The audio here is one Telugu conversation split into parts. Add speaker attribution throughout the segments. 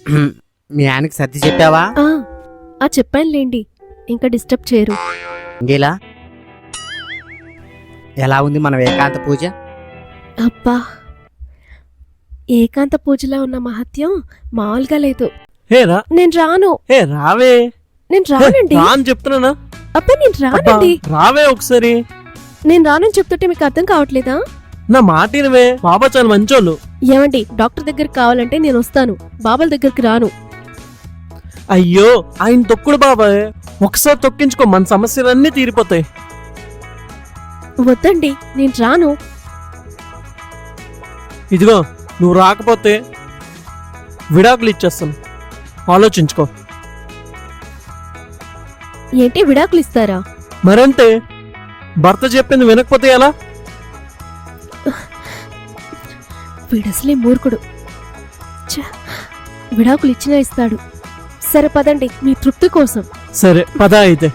Speaker 1: మీ ఆయనకి సర్ది చెప్పావా?
Speaker 2: చెప్పానులేండి, ఇంకా డిస్టర్బ్ చేయరు.
Speaker 1: ఇంకేలా ఎలా ఉంది మన ఏకాంత పూజ?
Speaker 2: అబ్బా, ఏకాంత పూజలో ఉన్న మహత్యం మామూలుగా లేదు. నేను రాను.
Speaker 3: రావే.
Speaker 2: నేను రానండి.
Speaker 3: చెప్తున్నా.
Speaker 2: అబ్బా, నేను రానండి.
Speaker 3: రావే ఒకసారి.
Speaker 2: నేను రానని చెప్తుంటే మీకు అర్థం కావట్లేదా?
Speaker 3: నా మాట వినవే. బాబా చాలా మంచోళ్ళు.
Speaker 2: ఏమండి, డాక్టర్ దగ్గరికి కావాలంటే నేను వస్తాను, బాబాల దగ్గరికి రాను.
Speaker 3: అయ్యో, ఆయన తొక్కుడు బాబాయ్. ఒకసారి తొక్కించుకో, మన సమస్యలన్నీ తీరిపోతాయి.
Speaker 2: వద్దండి, నేను రాను.
Speaker 3: ఇదిగో, నువ్వు రాకపోతే విడాకులు ఇచ్చేస్తాను, ఆలోచించుకో.
Speaker 2: ఏంటి, విడాకులు ఇస్తారా?
Speaker 3: మరంతే, భర్త చెప్పింది వినకపోతే ఎలా?
Speaker 2: వీడసలే మూర్ఖుడు. విడాకులు ఇచ్చినా ఇస్తాడు. సరే పదండి, మీ తృప్తి కోసం.
Speaker 3: సరే పద అయితే.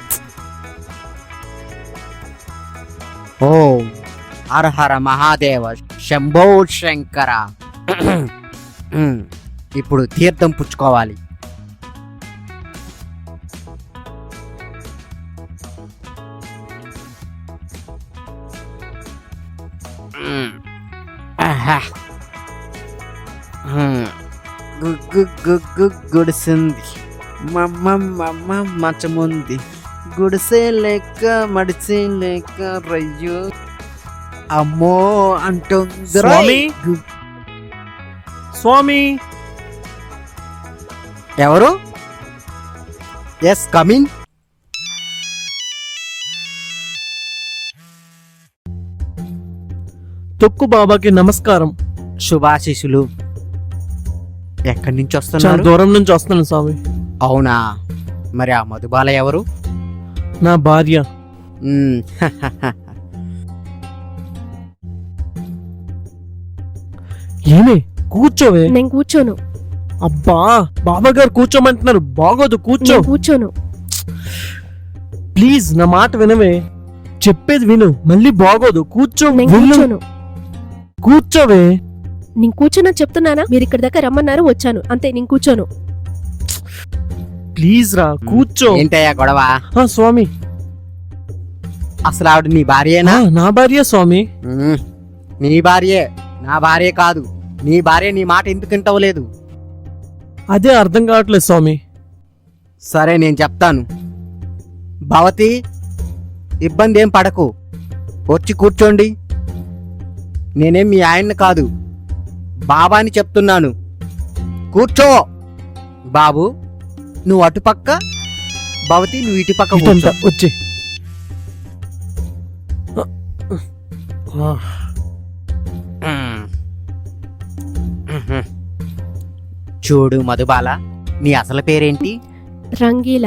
Speaker 1: ఓ హర హర మహాదేవ శంభో శంకర. ఇప్పుడు తీర్థం పుచ్చుకోవాలి. గుడిసింది మంచముంది, గుడిసే లెక్క మడిసే లెక్క రయ్యో అమ్మో అంటుంది.
Speaker 3: స్వామి, స్వామి.
Speaker 1: ఎవరు? Yes, coming.
Speaker 3: తొక్కు బాబాకి నమస్కారం.
Speaker 1: శుభాశీసులు. ఎక్కడి నుంచి
Speaker 3: చాలా
Speaker 1: వస్తున్నారు?
Speaker 3: దూరం నుంచి వస్తున్నాను స్వామి.
Speaker 1: అవునా, మరి ఆ మధుబాల ఎవరు?
Speaker 3: నా భార్య. ఏమే, కూర్చోవే.
Speaker 2: నేను కూర్చోను.
Speaker 3: అబ్బా, బాబా గారు కూర్చోమంటున్నారు, బాగోదు, కూర్చో.
Speaker 2: నేను కూర్చోను.
Speaker 3: ప్లీజ్ నా మాట వినవే, చెప్పేది విను, మళ్ళీ బాగోదు, కూర్చో.
Speaker 2: నేను కూర్చోను.
Speaker 3: కూర్చోవే.
Speaker 2: నేను కూర్చోనని చెప్తున్నానా? మీరు ఇక్కడి దాకా రమ్మన్నారు, వచ్చాను అంతే. నేను కూర్చోను.
Speaker 3: ప్లీజ్ రా, కూర్చో.
Speaker 1: ఏంటయ్యా గొడవ?
Speaker 3: స్వామి,
Speaker 1: అసలు ఆవిడ నీ భార్యేనా?
Speaker 3: నా భార్య స్వామి.
Speaker 1: నీ భార్యే, నా భార్య కాదు. నీ భార్య నీ మాట ఎందుకు వింటవలేదు?
Speaker 3: అదే అర్థం కావట్లేదు స్వామి.
Speaker 1: సరే, నేను చెప్తాను. భవతి, ఇబ్బంది ఏం పడకు, వచ్చి కూర్చోండి. నేనేం మీ ఆయన్ని కాదు, బాబాని చెప్తున్నాను. కూర్చో. బాబు, నువ్వు అటుపక్క, భవతి నువ్వు ఇటుపక్క కూర్చో.
Speaker 3: వచ్చి
Speaker 1: చూడు మధుబాల, నీ అసలు పేరేంటి?
Speaker 2: రంగీలా.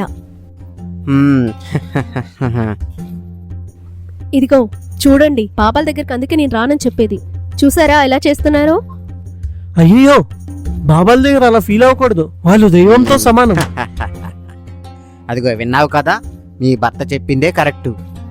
Speaker 2: ఇదిగో చూడండి, బాబాల దగ్గరికి అందుకే నేను రానని చెప్పేది. చూసారా ఎలా చేస్తున్నారో?
Speaker 3: అయ్యో, బాబాల దగ్గర అలా ఫీల్ అవ్వకూడదు, వాళ్ళు దైవంతో సమానం.
Speaker 1: అదిగో విన్నావు కదా, మీ భర్త చెప్పిందే కరెక్టు.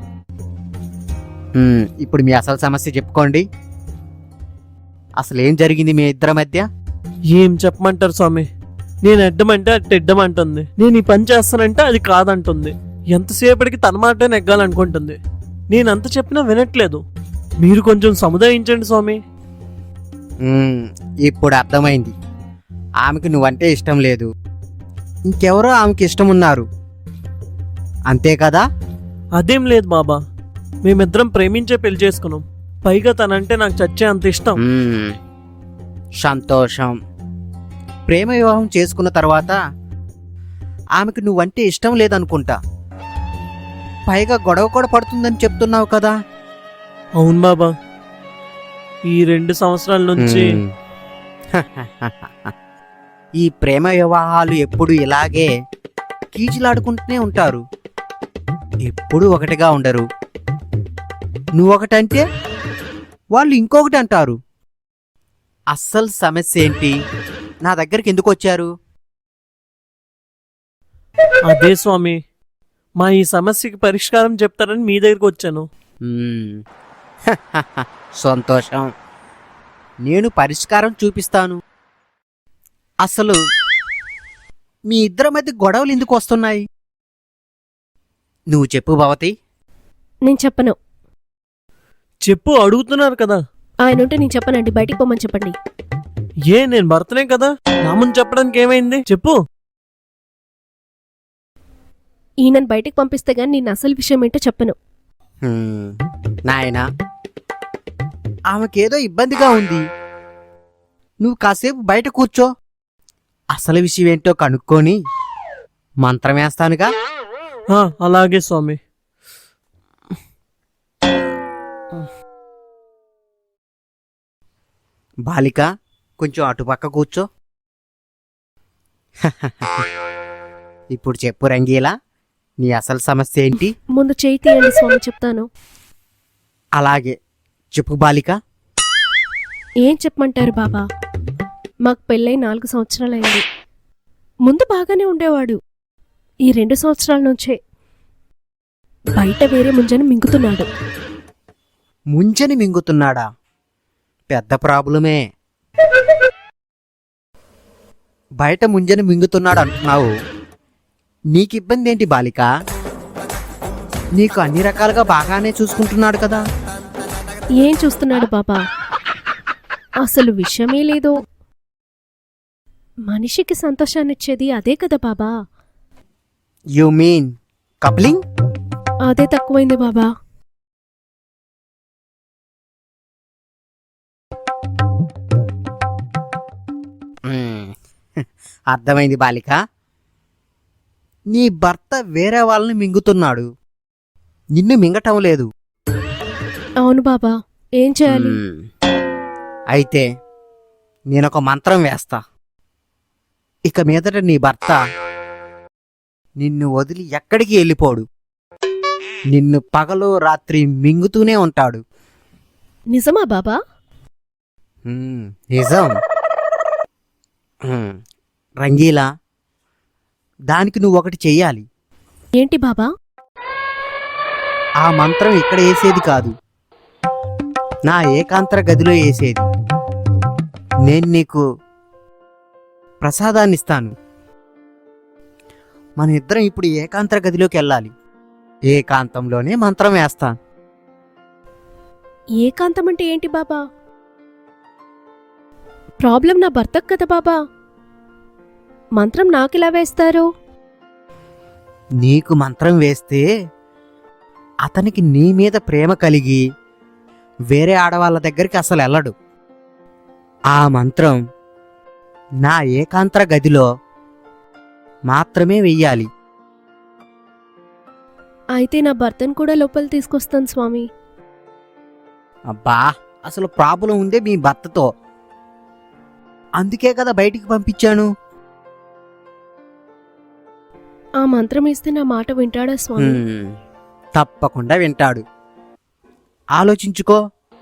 Speaker 1: ఇప్పుడు మీ అసలు సమస్య చెప్పుకోండి. అసలు ఏం జరిగింది మీ ఇద్దరి మధ్య?
Speaker 3: ఏం చెప్పమంటారు స్వామి, నేను ఎడ్డమంటే అది తెడ్డమంటుంది, నేను ఈ పని చేస్తానంటే అది కాదంటుంది, ఎంతసేపటికి తన మాట నెగ్గాలనుకుంటుంది. నేనంత చెప్పినా వినట్లేదు. మీరు కొంచెం సముదాయించండి స్వామి.
Speaker 1: ఇప్పుడు అర్థమైంది. ఆమెకు నువ్వంటే ఇష్టం లేదు, ఇంకెవరో ఆమెకి ఇష్టం ఉన్నారు, అంతే కదా?
Speaker 3: అదేం లేదు బాబా, మేమిద్దరం ప్రేమించే పెళ్లి చేసుకున్నాం. పైగా తనంటే నాకు చచ్చే అంత ఇష్టం.
Speaker 1: సంతోషం. ప్రేమ వివాహం చేసుకున్న తర్వాత ఆమెకు నువ్వంటే ఇష్టం లేదనుకుంటా, పైగా గొడవ కూడా పడుతుందని చెప్తున్నావు కదా?
Speaker 3: అవును బాబా, ఈ 2 సంవత్సరాల నుంచి.
Speaker 1: ఈ ప్రేమ వివాహాలు ఎప్పుడు ఇలాగే కీచులాడుకుంటూనే ఉంటారు, ఎప్పుడు ఒకటిగా ఉండరు. నువ్వొకటంటే వాళ్ళు ఇంకొకటి అంటారు. అస్సలు సమస్య ఏంటి? నా దగ్గరికి ఎందుకు వచ్చారు?
Speaker 3: అదే స్వామి, మా ఈ సమస్యకి పరిష్కారం చెప్తారని మీ దగ్గరికి వచ్చాను.
Speaker 1: సంతోషం, నేను పరిష్కారం చూపిస్తాను. అసలు మీ ఇద్దరి మధ్య గొడవలు ఎందుకు వస్తున్నాయి? నువ్వు చెప్పు భవతి.
Speaker 2: నేను చెప్పను.
Speaker 3: చెప్పు, అడుగుతున్నారు కదా.
Speaker 2: ఆయన ఉంటే నేను చెప్పనండి, బయటికి పోమని చెప్పండి.
Speaker 3: ఏ, నేను భర్తనే కదా, నా ముందు చెప్పడానికి ఏమైంది? చెప్పు.
Speaker 2: ఈయనను బయటికి పంపిస్తే గానీ నేను అసలు విషయం ఏంటో చెప్పను.
Speaker 1: నాయనా, ఆమెకేదో ఇబ్బందిగా ఉంది. నువ్వు కాసేపు బయట కూర్చో. అసలు విషయం ఏంటో కనుక్కొని మంత్రం వేస్తానుగా.
Speaker 3: అలాగే స్వామి.
Speaker 1: బాలిక, కొంచెం అటుపక్క కూర్చో. ఇప్పుడు చెప్పు రంగీలా, నీ అసలు సమస్య ఏంటి?
Speaker 2: ముందు చేయి తీయండి స్వామి, చెప్తాను.
Speaker 1: అలాగే చెప్పు బాలిక.
Speaker 2: ఏం చెప్పమంటారు బాబా? మాకు పెళ్ళై 4 సంవత్సరాలైంది. ముందు బాగానే ఉండేవాడు. ఈ 2 సంవత్సరాల నుంచే బయట వేరే ముంజని మింగుతున్నాడు.
Speaker 1: ముంజని మింగుతున్నాడా? పెద్ద ప్రాబ్లమే. బయట ముంజని మింగుతున్నాడు అంటున్నావు. నీకు ఇబ్బంది ఏంటి బాలిక? నీకు అన్ని రకాలుగా బాగానే చూసుకుంటున్నాడు కదా.
Speaker 2: ఏం చూస్తున్నాడు బాబా? అసలు విషయమే లేదు. మనిషికి సంతోషాన్నిచ్చేది అదే కదా బాబా.
Speaker 1: You mean coupling?
Speaker 2: అదే తక్కువైంది బాబా.
Speaker 1: అర్థమైంది బాలిక. నీ భర్త వేరే వాళ్ళని మింగుతున్నాడు, నిన్ను మింగటం లేదు.
Speaker 2: అవును బాబా, ఏం చేయాలి?
Speaker 1: అయితే నేనొక మంత్రం వేస్తా. ఇక మీదట నీ భర్త నిన్ను వదిలి ఎక్కడికి వెళ్ళిపోడు. నిన్ను పగలు రాత్రి మింగుతూనే ఉంటాడు.
Speaker 2: నిజమా బాబా?
Speaker 1: నిజం. రంగీలా, దానికి నువ్వు ఒకటి చెయ్యాలి.
Speaker 2: ఏంటి బాబా?
Speaker 1: ఆ మంత్రం ఇక్కడ వేసేది కాదు, నా ఏకాంతర గదిలో వేసేది. నేను నీకు ప్రసాదాన్ని ఇస్తాను. మన ఇద్దరం ఇప్పుడు ఏకాంతర గదిలోకి వెళ్ళాలి. ఏకాంతంలోనే మంత్రం వేస్తాను.
Speaker 2: ఏకాంతం అంటే ఏంటి బాబా? ప్రాబ్లం నా భర్తకు కదా బాబా. మంత్రం నాకెలా వేస్తారు?
Speaker 1: నీకు మంత్రం వేస్తే అతనికి నీ మీద ప్రేమ కలిగి వేరే ఆడవాళ్ళ దగ్గరికి అసలు వెళ్ళడు. ఆ మంత్రం నా ఏకాంతర గదిలో మాత్రమే వెయ్యాలి.
Speaker 2: అయితే నా భర్తను కూడా లోపల తీసుకొస్తాను స్వామి.
Speaker 1: అబ్బా, అసలు ప్రాబ్లం ఉందే మీ భర్తతో. అందుకే కదా బయటికి పంపించాను.
Speaker 2: ఆ మంత్రం ఇస్తే నా మాట వింటాడా స్వామి?
Speaker 1: తప్పకుండా వింటాడు. ఆలోచించుకో.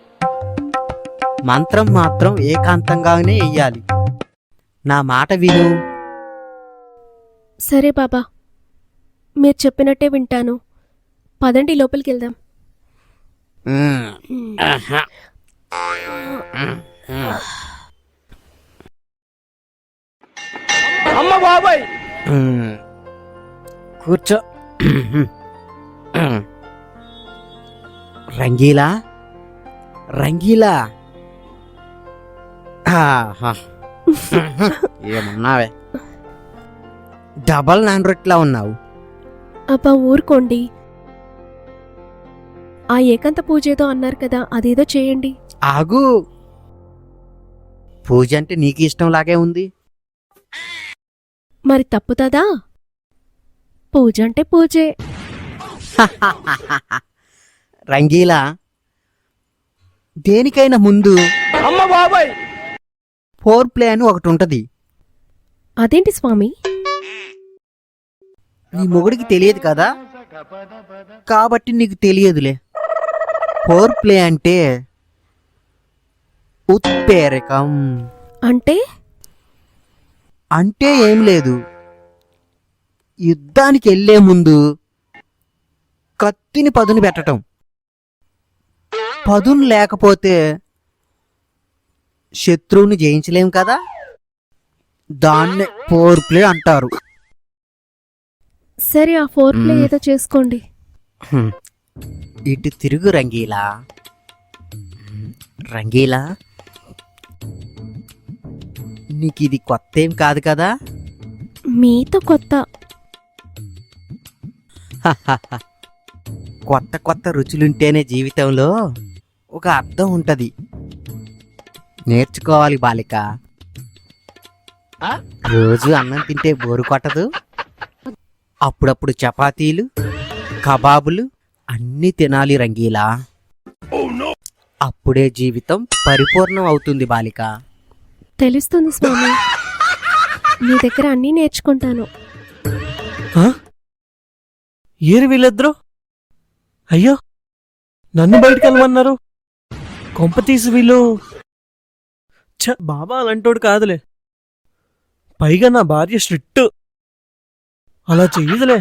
Speaker 1: మంత్రం మాత్రం ఏకాంతంగానే వెయ్యాలి. నా మాట విను.
Speaker 2: సరే బాబా, మీరు చెప్పినట్టే వింటాను. పదండి, లోపలికి వెళ్దాం.
Speaker 3: అమ్మ బాబాయ్,
Speaker 1: కూర్చో. రంగీలా, రంగీలా, ఏమన్నావే? డబల్ నాన్ రొట్లా ఉన్నావు.
Speaker 2: అబ్బా ఊరుకోండి. ఆ ఏకాంత పూజ ఏదో అన్నారు కదా, అదేదో చేయండి.
Speaker 1: ఆగు. పూజ అంటే నీకు ఇష్టంలాగే ఉంది.
Speaker 2: మరి తప్పుతుందా? పూజ అంటే పూజే.
Speaker 1: రంగీలా, దేనికైనా ముందు
Speaker 3: అమ్మ బాబాయ్,
Speaker 1: ఫోర్ ప్లే అని ఒకటి ఉంటది.
Speaker 2: అదేంటి స్వామి?
Speaker 1: నీ మొగుడికి తెలియదు కదా, కాబట్టి నీకు తెలియదులే. ఫోర్ ప్లే అంటే ఉత్ప్రేరకం.
Speaker 2: అంటే
Speaker 1: అంటే ఏం లేదు. యుద్ధానికి వెళ్లే ముందు కత్తిని పదును పెట్టటం. పదును లేకపోతే శత్రువుని జయించలేం కదా, దాన్నే ఫోర్ ప్లే అంటారు.
Speaker 2: సరే ఆ ఫోర్ ప్లే ఏదో చేసుకోండి.
Speaker 1: హ్మ్. ఇటు తిరుగు రంగీలా. రంగీలా, నీకు ఇది కొత్త ఏం కాదు కదా?
Speaker 2: మీతో కొత్త.
Speaker 1: కొత్త కొత్త రుచులుంటేనే జీవితంలో ఒక అర్థం ఉంటది. నేర్చుకోవాలి బాలిక. రోజు అన్నం తింటే బోరు కొట్టదు. అప్పుడప్పుడు చపాతీలు, కబాబులు అన్నీ తినాలి రంగీలా. అప్పుడే జీవితం పరిపూర్ణం అవుతుంది బాలిక.
Speaker 2: తెలుస్తుంది స్వామి, మీ దగ్గర అన్నీ నేర్చుకుంటాను.
Speaker 3: ఆ? ఏరు వీళ్ళిద్దరూ? అయ్యో, నన్ను బయటికి వెళ్ళమన్నారు. కొంప తీసి వీళ్ళు బాబా అలాంటోడు కాదులే. పైగా నా భార్య స్ట్రిక్ట్, అలా చెయ్యదులే.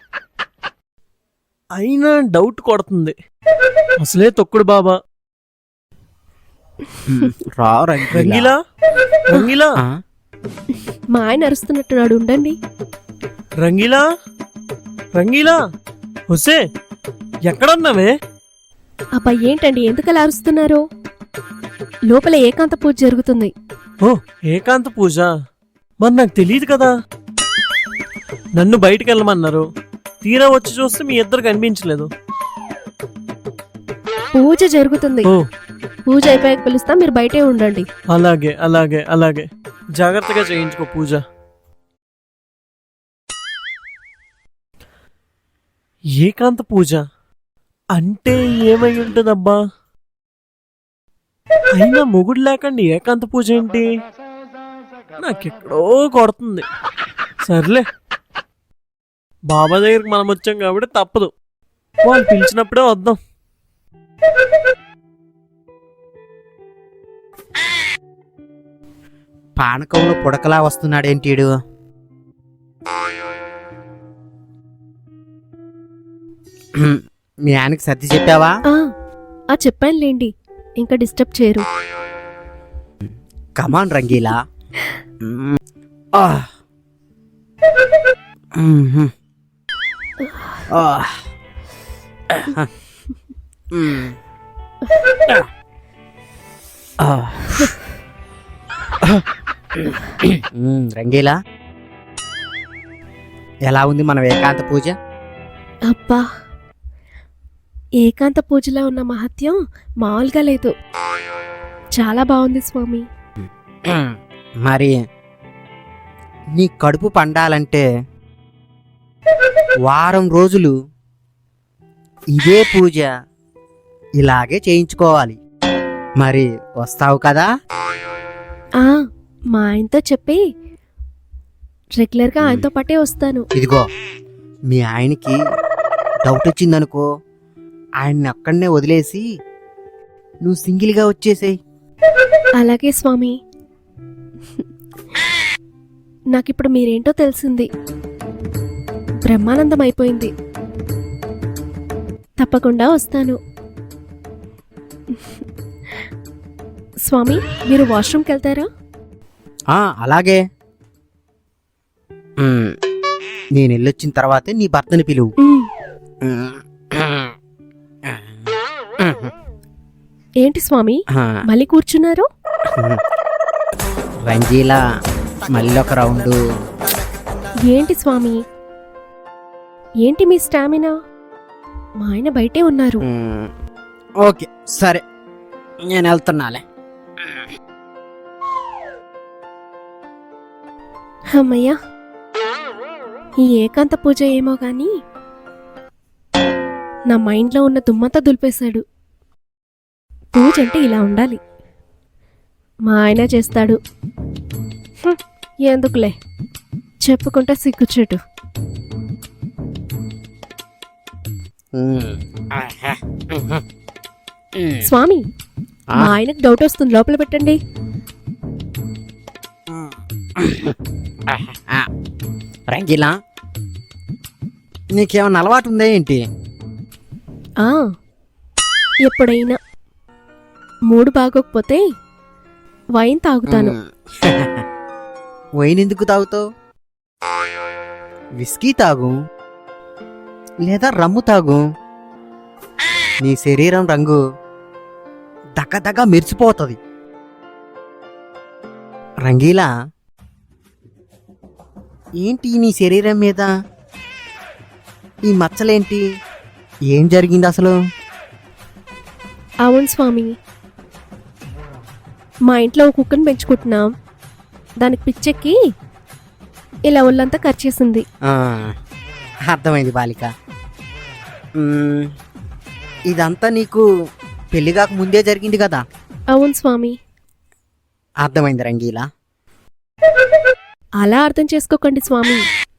Speaker 3: అయినా డౌట్ కొడుతుంది. అసలే తొక్కుడు బాబా.
Speaker 1: రా
Speaker 3: రంగీలా, రంగీలా,
Speaker 1: ఆ?
Speaker 2: మా ఆయన అరుస్తున్నట్టున్నాడు, ఉండండి.
Speaker 3: రంగీలా, రంగీలా, హుసే, ఎక్కడున్నావే?
Speaker 2: అబ్బా ఏంటండి ఎందుకలా అరుస్తున్నారు? లోపల ఏకాంత పూజ జరుగుతుంది.
Speaker 3: ఓ, ఏకాంత పూజ. మరి నాకు తెలియదు కదా. నన్ను బయటికి వెళ్ళమన్నారు. తీరా వచ్చి చూస్తే మీ ఇద్దరు కనిపించలేదు.
Speaker 2: పూజ జరుగుతుంది.
Speaker 3: ఓ,
Speaker 2: పూజ అయిపోయాక పిలుస్తా, మీరు బయటే ఉండండి.
Speaker 3: అలాగే అలాగే అలాగే. జాగ్రత్తగా చేయించుకో పూజ. ఏకాంత పూజ అంటే ఏమై ఉంటుందబ్బా? అయినా మొగుడు లేకండి ఏకాంత పూజ ఏంటి? నాకెక్కడో కొడుతుంది. సర్లే, బాబా దగ్గరికి మనం వచ్చాం కాబట్టి తప్పదు. వాళ్ళు పిలిచినప్పుడే వద్దాం.
Speaker 1: పానకంలో పుడకలా వస్తున్నాడేంటీడు? మీ ఆయనకి సర్ది చెప్పావా?
Speaker 2: ఆ చెప్పానులేండి, ఇంకా డిస్టర్బ్ చేయరు.
Speaker 1: కమాన్ రంగీలా. ఆ. మ్మ్. ఆ. మ్మ్. ఆ. రంగీలా, ఎలా ఉంది మన ఏకాంత పూజ?
Speaker 2: అబ్బా, ఏకాంత పూజలో ఉన్న మహత్యం మామూలుగా లేదు. చాలా బాగుంది స్వామి.
Speaker 1: మరి నీ కడుపు పండాలంటే వారం రోజులు ఇదే పూజ ఇలాగే చేయించుకోవాలి. మరి వస్తావు కదా?
Speaker 2: ఆ మా ఆయనతో చెప్పి రెగ్యులర్గా ఆయనతో పాటే వస్తాను.
Speaker 1: ఇదిగో, మీ ఆయనకి డౌట్ వచ్చిందనుకో, ఆయన్ని అక్కడనే వదిలేసి నువ్వు సింగిల్గా వచ్చేసేయ్.
Speaker 2: అలాగే స్వామి. నాకిప్పుడు మీరేంటో తెలిసింది. బ్రహ్మానందం అయిపోయింది. తప్పకుండా వస్తాను. స్వామి, మీరు వాష్రూమ్కి వెళ్తారా?
Speaker 1: అలాగే. నేను వెళ్ళొచ్చిన తర్వాతే నీ భర్తని పిలువు.
Speaker 2: ఏంటి స్వామి మళ్ళీ కూర్చున్నారు?
Speaker 1: రంగీలా, మళ్ళీ ఒక రౌండు.
Speaker 2: ఏంటి స్వామి, ఏంటి మీ స్టామినా? మా ఆయన బయటే ఉన్నారు.
Speaker 1: ఓకే సరే, నేను వెళ్తున్నాలే.
Speaker 2: అమ్మయ్యా, ఈ ఏకాంత పూజ ఏమో గాని నా మైండ్లో ఉన్న దుమ్మంతా దులిపేశాడు. పూజ అంటే ఇలా ఉండాలి. మా ఆయన చేస్తాడు. ఎందుకులే, చెప్పుకుంటే సిగ్గుచెట్టు. స్వామి, మా ఆయనకు డౌట్ వస్తుంది, లోపల పెట్టండి.
Speaker 1: రంగీలా, నీకేమన్నా అలవాటు ఉందా ఏంటి?
Speaker 2: ఎప్పుడైనా మూడు బాగోకపోతే వైన్ తాగుతాను.
Speaker 1: వైన్ ఎందుకు తాగుతావు? విస్కీ తాగు. లేదా రమ్ము తాగు. నీ శరీరం రంగు దగదగ మెరిసిపోతుంది. రంగీలా, ఏంటి నీ శరీరం మీద ఈ మచ్చలేంటి? ఏం జరిగింది అసలు?
Speaker 2: అవును స్వామి, మా ఇంట్లో ఒక కుక్కను పెంచుకుంటున్నాం. దానికి పిచ్చెక్కి ఇలా ఒళ్ళంతా ఖర్చేసింది.
Speaker 1: ఆ, అర్థమైంది బాలిక. ఇదంతా నీకు పెళ్లిగాక ముందే జరిగింది కదా?
Speaker 2: అవును స్వామి.
Speaker 1: అర్థమైంది రంగీలా.
Speaker 2: అలా అర్థం చేసుకోకండి స్వామి.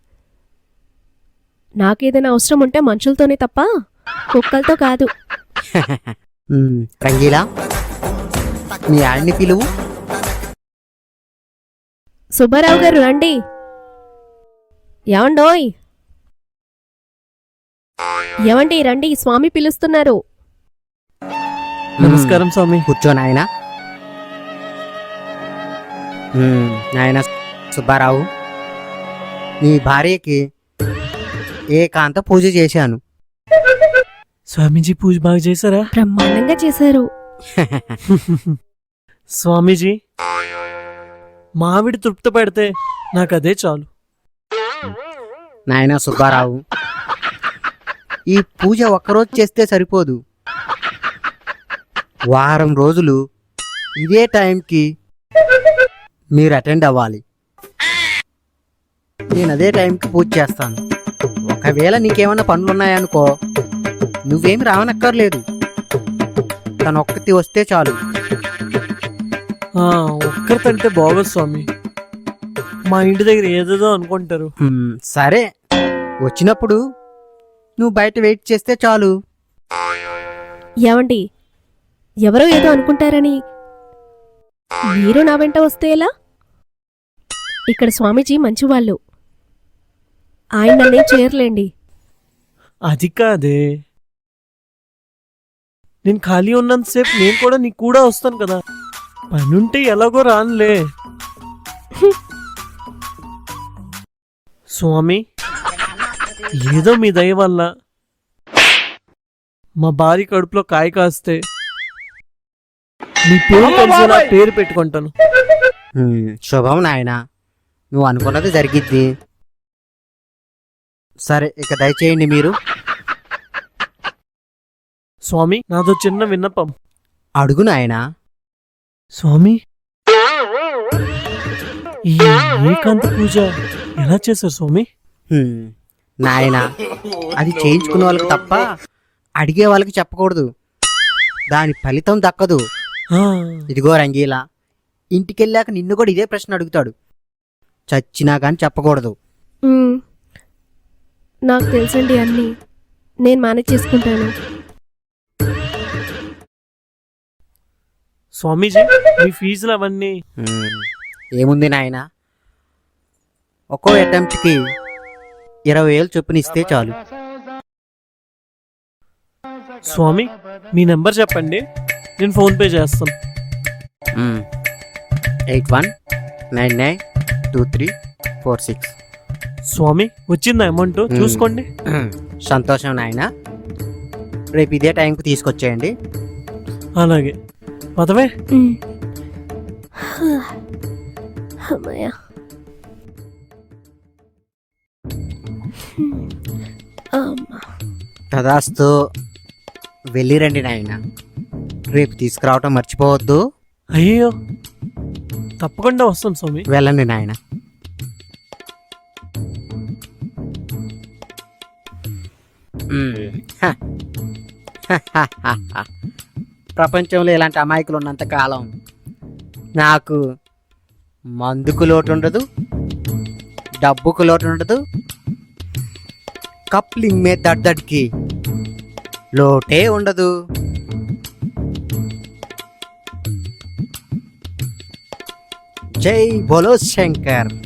Speaker 2: నాకేదైనా అవసరం ఉంటే మనుషులతోనే తప్ప కుక్కలతో కాదు.
Speaker 1: రంగీలా, మీ ఆయన్ని పిలువు.
Speaker 2: సుబ్బారావు గారు రండి. ఏమండోయ్, ఏమండి రండి, స్వామి పిలుస్తున్నారు.
Speaker 3: నమస్కారం స్వామి.
Speaker 1: కూర్చో నాయనా. నాయన సుబ్బారావు, నీ భార్యకి ఏకాంత పూజ చేశాను.
Speaker 3: స్వామీజీ పూజ బాగా చేశారా?
Speaker 2: బ్రహ్మాండంగా చేశారు.
Speaker 3: స్వామీజీ, మావిడి తృప్తి పెడితే నాకు అదే చాలు.
Speaker 1: నాయన సుబ్బారావు, ఈ పూజ ఒక్కరోజు చేస్తే సరిపోదు. వారం రోజులు ఇదే టైంకి మీరు అటెండ్ అవ్వాలి. నేను అదే టైంకి పూజ చేస్తాను. ఒకవేళ నీకేమైనా పనులున్నాయనుకో, నువ్వేమి రావనక్కర్లేదు. తను ఒక్కటి వస్తే చాలు.
Speaker 3: ఒక్కరితంటే బాగోదు స్వామి. మా ఇంటి దగ్గర ఏదేదో అనుకుంటారు.
Speaker 1: సరే, వచ్చినప్పుడు నువ్వు బయట వెయిట్ చేస్తే చాలు.
Speaker 2: ఏమండి, ఎవరో ఏదో అనుకుంటారని మీరు నా వెంట వస్తే ఎలా? ఇక్కడ స్వామీజీ మంచివాళ్ళు, ఆయన నన్నేం చేయర్లేండి.
Speaker 3: అది కాదే, నేను ఖాళీ ఉన్నంతసేపు నేను కూడా నీకు కూడా వస్తాను కదా. పనుంటే ఎలాగో రానులే. స్వామి, ఏదో మీ దయ వల్ల మా భార్య కడుపులో కాయ కాస్తే నీ పేరు కలిసేలా పేరు పెట్టుకుంటాను.
Speaker 1: శుభం నాయనా, నువ్వు అనుకున్నది జరిగిద్ది. సరే, ఇక దయచేయండి మీరు.
Speaker 3: స్వామి, నాదో చిన్న విన్నపం.
Speaker 1: అడుగు నాయనా.
Speaker 3: స్వామి, ఈ ఏకాంత పూజ ఎలా చేశారు స్వామి?
Speaker 1: నాయనా, అది చేయించుకునే వాళ్ళకి తప్ప అడిగే వాళ్ళకి చెప్పకూడదు. దాని ఫలితం దక్కదు. ఇదిగో రంగీలా, ఇంటికెళ్ళాక నిన్ను కూడా ఇదే ప్రశ్న అడుగుతాడు. చచ్చినా కానీ చెప్పకూడదు.
Speaker 2: నాకు తెలుసండి అన్నీ, నేను మేనేజ్ చేసుకుంటాను.
Speaker 3: స్వామీజీ, మీ ఫీజులు అవన్నీ?
Speaker 1: ఏముంది నాయనా, ఒక్కో అటెంప్ట్కి 20,000 చొప్పున ఇస్తే చాలు.
Speaker 3: స్వామి, మీ నెంబర్ చెప్పండి, నేను ఫోన్పే చేస్తాను.
Speaker 1: 81992346.
Speaker 3: స్వామి, వచ్చిందా అమౌంట్? చూసుకోండి.
Speaker 1: సంతోషం నాయనా, రేపు ఇదే టైంకి తీసుకొచ్చేయండి.
Speaker 3: అలాగే, పదవే.
Speaker 2: అమ్మయ్య.
Speaker 1: తదాస్తు. వెళ్ళిరండి నాయనా, రేపు తీసుకురావటం మర్చిపోవద్దు.
Speaker 3: అయ్యో, తప్పకుండా వస్తాను స్వామి.
Speaker 1: వెళ్ళండి నాయన. ప్రపంచంలో ఇలాంటి అమాయకులు ఉన్నంత కాలం నాకు మందుకు లోటు ఉండదు, డబ్బుకు లోటు ఉండదు, కప్లింగ్ మే దడ్దడ్కి లోటే ఉండదు. జై బోలో శంకర్.